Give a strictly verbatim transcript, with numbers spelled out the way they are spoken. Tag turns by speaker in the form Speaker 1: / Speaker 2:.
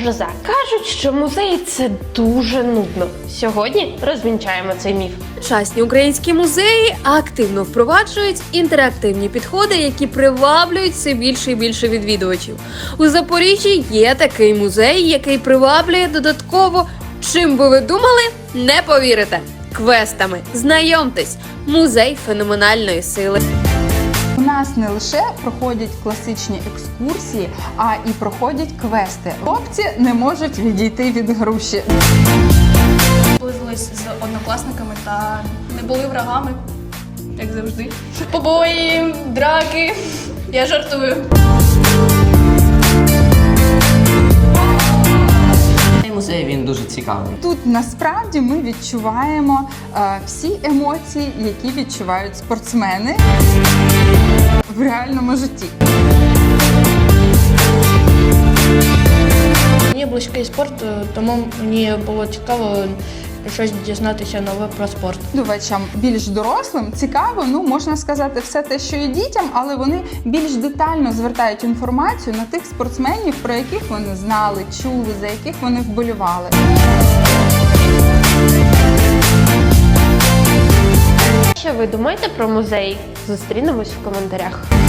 Speaker 1: гроза. Кажуть, що музеї – це дуже нудно. Сьогодні розвінчаємо цей міф.
Speaker 2: Сучасні українські музеї активно впроваджують інтерактивні підходи, які приваблюють все більше і більше відвідувачів. У Запоріжжі є такий музей, який приваблює додатково, чим би ви думали, не повірите, квестами. Знайомтесь, музей феноменальної сили.
Speaker 3: У нас не лише проходять класичні екскурсії, а і проходять квести. Хлопці не можуть відійти від груші.
Speaker 4: Зблизились з однокласниками та не були врагами, як завжди. Побої, драки. Я жартую.
Speaker 5: Цей музей, він дуже цікавий.
Speaker 3: Тут насправді ми відчуваємо е, всі емоції, які відчувають спортсмени в реальному житті.
Speaker 4: Мені близький спорт, тому мені було цікаво щось дізнатися нове про спорт.
Speaker 3: Відвідувачам більш дорослим цікаво, ну можна сказати, все те, що і дітям, але вони більш детально звертають інформацію на тих спортсменів, про яких вони знали, чули, за яких вони вболівали.
Speaker 1: Що ви думаєте про музей? Зустрінемось в коментарях.